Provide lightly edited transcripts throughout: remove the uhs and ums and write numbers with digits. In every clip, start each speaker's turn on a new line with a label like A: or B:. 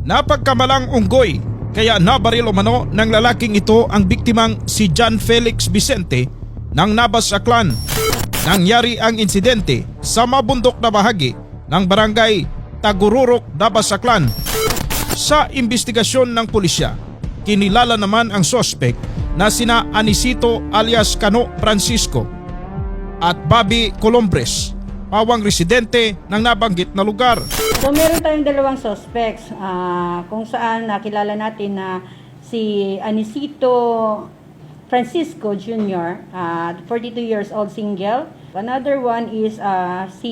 A: Napagkamalang unggoy kaya nabaril umano ng lalaking ito ang biktimang si John Felix Vicente ng Nabas Aklan. Nangyari ang insidente sa mabundok na bahagi ng barangay Tagururok, Nabas Aklan. Sa investigasyon ng pulisya, kinilala naman ang sospek na sina Anisito alias Cano Francisco at Bobby Colombres, pawang residente ng nabanggit na lugar.
B: So meron tayong dalawang suspects kung saan nakilala natin na si Anisito Francisco Jr., 42 years old, single. Another one is si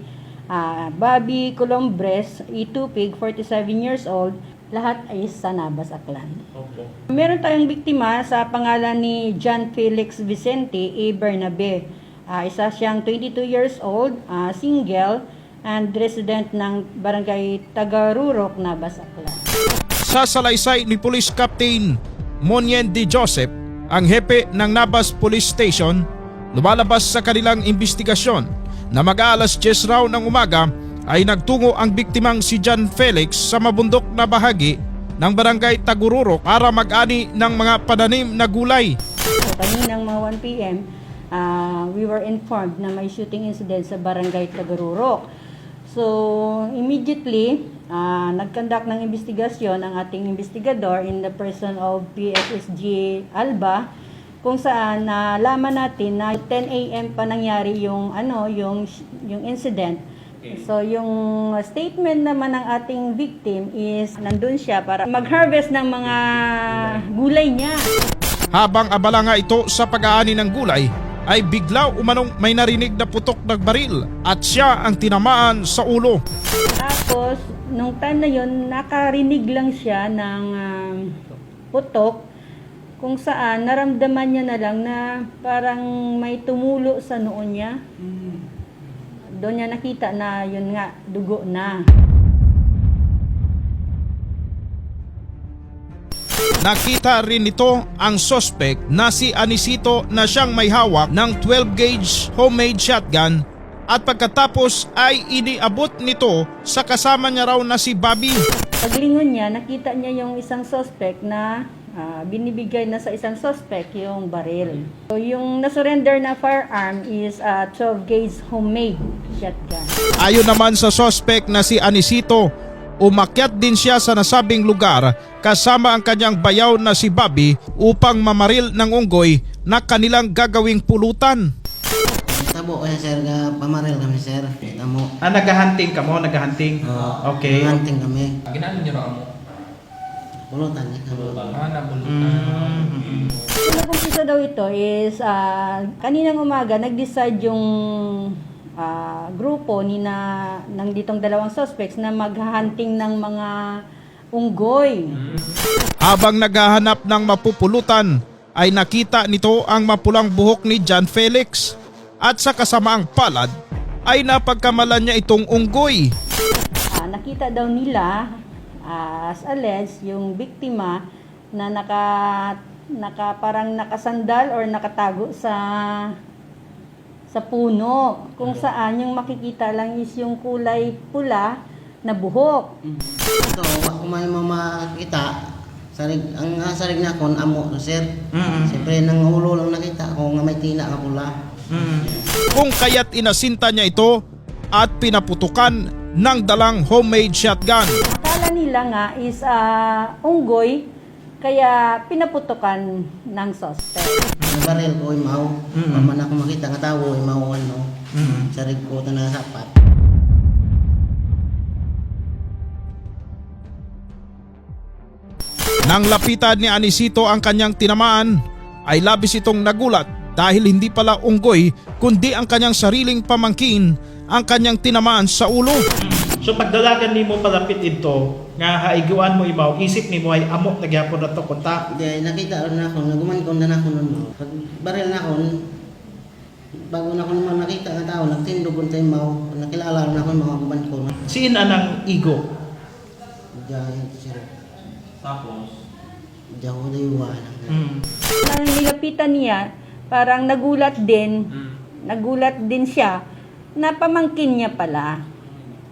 B: Bobby Colombres, Itupig, 47 years old. Lahat ay sa Nabas Aklan.
C: Okay.
B: Meron tayong biktima sa pangalan ni John Felix Vicente A. Bernabe. Isa siyang 22 years old, single, and resident ng barangay Tagarurok, Nabas Aklan.
A: Sa salaysay ni Police Captain Monyen D. Joseph, ang hepe ng Nabas Police Station, lumalabas sa kanilang investigasyon na mag-aalas 10 raw ng umaga ay nagtungo ang biktimang si John Felix sa mabundok na bahagi ng barangay Tagururok para mag-ani ng mga pananim na gulay.
B: So kaninang mga 1 p.m., we were informed na may shooting incident sa barangay Tagarurok. So immediately, nag-conduct ng investigasyon ang ating investigador in the person of PSSG Alba, kung saan nalaman natin na 10 a.m. pa nangyari yung incident. So yung statement naman ng ating victim is nandun siya para mag-harvest ng mga gulay niya.
A: Habang abala nga ito sa pag-aani ng gulay, ay bigla umanong may narinig na putok ng baril at siya ang tinamaan sa ulo.
B: Tapos, nung time na yun, nakarinig lang siya ng putok, kung saan naramdaman niya na lang na parang may tumulo sa noo niya. Doon niya nakita na yun nga, dugo na.
A: Nakita rin nito ang suspect na si Anisito na siyang may hawak ng 12-gauge homemade shotgun at pagkatapos ay iniabot nito sa kasama niya raw na si Bobby.
B: Paglingon niya, nakita niya yung isang suspect na binibigay na sa isang suspect yung baril. So yung nasurrender na firearm is a 12-gauge homemade shotgun.
A: Ayon naman sa suspect na si Anisito, umakyat din siya sa nasabing lugar kasama ang kanyang bayaw na si Bobby upang mamaril ng unggoy na kanilang gagawing pulutan.
D: Tabo kaya sir, pamaril kami sir. Tamo.
C: Nag-hunting ka mo? Nag-hunting? Okay.
D: Hunting kami.
E: Ginaan niyo raw mo?
D: Pulutan niya kami.
E: Nabulutan.
B: Nakumpisa daw ito is kaninang umaga nag-decide yung grupo ng ditong dalawang suspects na maghahunting ng mga unggoy.
A: Habang naghahanap ng mapupulutan ay nakita nito ang mapulang buhok ni John Felix at sa kasamaang palad ay napagkamalan niya itong unggoy.
B: Nakita daw nila as alleged yung biktima na parang nakasandal or nakatago sa puno, kung saan yung makikita lang is yung kulay pula na buhok.
D: Ito, kung may makita, ang sarig na kon amo sir. Siyempre nang ulo lang nakita ko nga may tina ka pula.
A: Kung kaya't inasinta niya ito at pinaputukan ng dalang homemade shotgun.
B: Akala nila nga is unggoy, kaya pinaputukan ng suspect.
D: Baril ko imaw. Paman ako makita nga tao imaw ano. Sarig ko ta na sapat.
A: Nang lapitan ni Anisito ang kanyang tinamaan, ay labis itong nagulat dahil hindi pala unggoy kundi ang kanyang sariling pamangkin ang kanyang tinamaan sa ulo.
C: So pagdalagan nimo palapit ito, nga haiguan mo imaw, isip nimo ay amok nagyapon na to konta.
D: Di nakita ron ako, naguman ko na ako nun. Pag baril na ako, bago na ako naman nakita nga tao, nagtindog ko tayo mau, nakilala na ako mga guman ko.
C: Siin anang igo?
D: Diyan, sir.
E: Tapos?
D: Diyan ko dayuwa.
B: Nang nilapitan niya, parang nagulat din siya na pamangkin niya pala.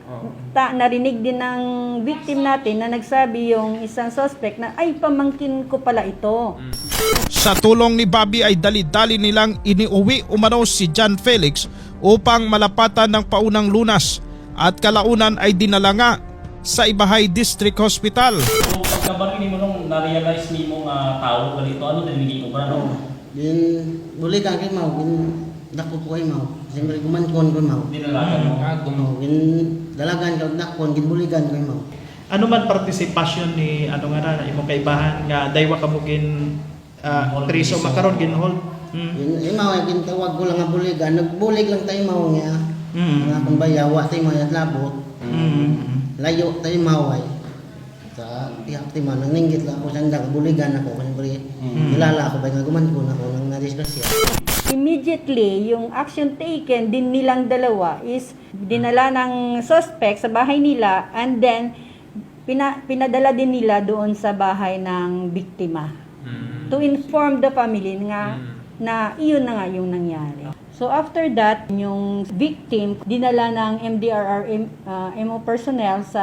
B: Narinig din ng victim natin na nagsabi yung isang suspect na, ay, pamangkin ko pala ito.
A: Sa tulong ni Bobby ay dali-dali nilang iniuwi umano si John Felix upang malapatan ng paunang lunas at kalaunan ay dinala nga sa Ibahay District Hospital.
E: So, pagkabarili mo nung na-realize ni mo nga tao ganito, ano narinig mo ba? No?
D: Din buli ka kay mau, din dako ko kay mau. Siyempre gumankon ko mau.
E: Dinalagan mo.
D: Din dalagan ka dakon, gin buligan kay mau.
C: Ano man partisipasyon ni ano nga na imong kaibahan nga daywa ka mo gin priso makaron gin hold.
D: Gin mau gin tawag ko lang nga buligan, nagbulig lang tayo mau nga. Nga kung bayawa tayo mau at labot. Layo tayo mau ay. Sa tiyak ti man nanginggit lang ako sanda buligan ako siyempre. Kilala ako ba nga gumankon ako nang nadisgrasya.
B: Immediately, yung action taken din nilang dalawa is dinala ng suspect sa bahay nila and then pinadala din nila doon sa bahay ng biktima to inform the family nga na iyon na nga yung nangyari. So after that, yung victim dinala ng MO personnel sa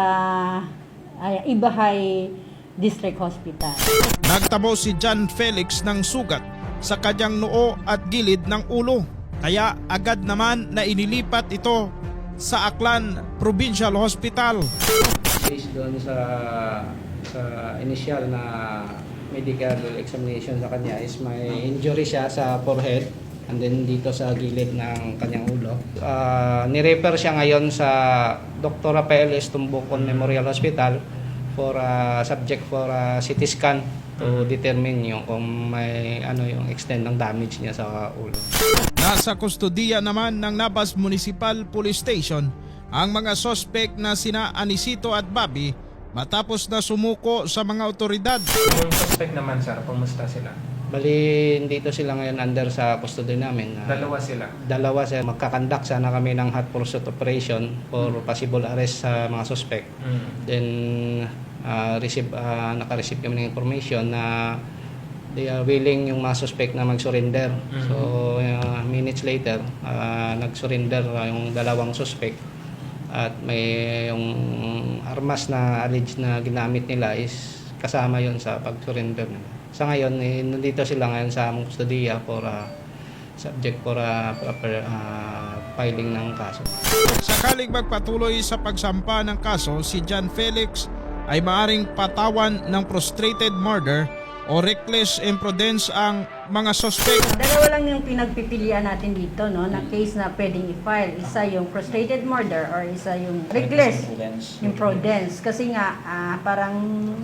B: Ibahay District Hospital.
A: Nagtamo si John Felix ng sugat sa kanyang noo at gilid ng ulo. Kaya agad naman na inilipat ito sa Aklan Provincial Hospital.
F: Based doon sa initial na medical examination sa kanya is may injury siya sa forehead and then dito sa gilid ng kanyang ulo. Nirefer siya ngayon sa Dr. Rafael S. Tumbukon Memorial Hospital for subject for CT scan to determine yung kung may yung extent ng damage niya sa ulo.
A: Nasa kustodiya naman ng Nabas Municipal Police Station ang mga suspect na sina Anisito at Bobby matapos na sumuko sa mga otoridad.
G: Yung suspect naman sir, kumusta sila?
F: Bali, dito sila ngayon under sa custody namin.
G: Dalawa sila.
F: Dalawa sila. Magkakandak sana kami ng hot pursuit operation for possible arrest sa mga suspect. Then, naka-receive kami ng information na they are willing yung mga suspect na mag-surrender. So, minutes later, nag-surrender yung dalawang suspect. At may yung armas na alleged na ginamit nila is kasama yon sa pag-surrender nila. Sa ngayon, nandito sila ngayon sa among kustodiya for subject for proper filing ng kaso.
A: Sakaling magpatuloy sa pagsampa ng kaso, si John Felix ay maaring patawan ng prostrated murder o reckless imprudence ang mga suspect.
B: Dalawa lang yung pinagpipilian natin dito, no, na case na pwedeng i-file. Isa yung frustrated murder or isa yung reckless imprudence. Kasi nga, parang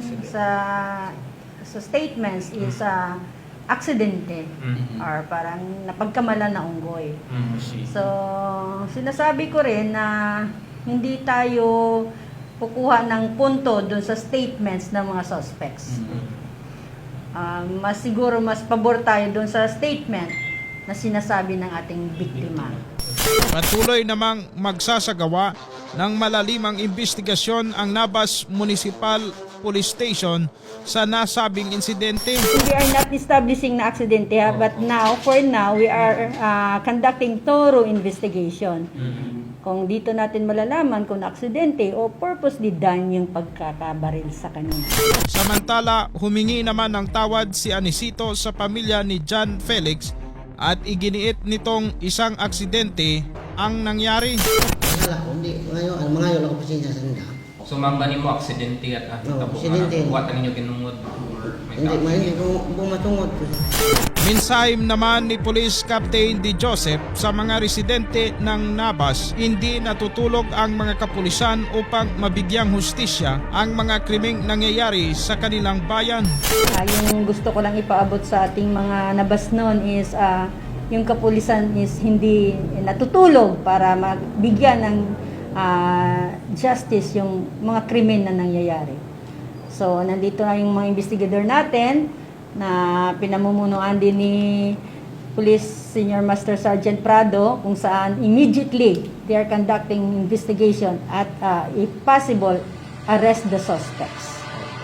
B: sa statements is aksidente or parang napagkamalan na unggoy. So, sinasabi ko rin na hindi tayo kukuha ng punto doon sa statements ng mga suspects. Mas siguro mas pabor tayo doon sa statement na sinasabi ng ating biktima.
A: Patuloy namang magsasagawa ng malalimang investigasyon ang Nabas Municipal Police Station sa nasabing insidente.
B: We are not establishing na aksidente, but for now, we are conducting thorough investigation. Kung dito natin malalaman kung aksidente o purposely done yung pagkakabaril sa kanya.
A: Samantala, humingi naman ng tawad si Anisito sa pamilya ni John Felix at iginiit nitong isang aksidente ang nangyari.
D: Wala ko, hindi. Ngayon ako pasensya sa nila.
E: So mangani mo aksidente at
D: aksidente.
E: buwatan ninyo kinungod or may
D: Hindi ko bumatungod.
A: Minsahim naman ni Police Captain Di Joseph sa mga residente ng Nabas, hindi natutulog ang mga kapulisan upang mabigyang hustisya ang mga krimeng nangyayari sa kanilang bayan.
B: Yung gusto ko lang ipaabot sa ating mga nabasnon is yung kapulisan is hindi natutulog para magbigyan ng justice yung mga krimen na nangyayari. So, nandito na yung mga investigador natin na pinamumunuan din ni Police Senior Master Sergeant Prado kung saan immediately they are conducting investigation at if possible, arrest the suspects.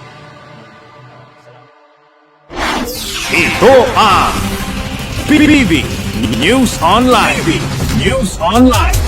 H: Ito ang PBB News Online.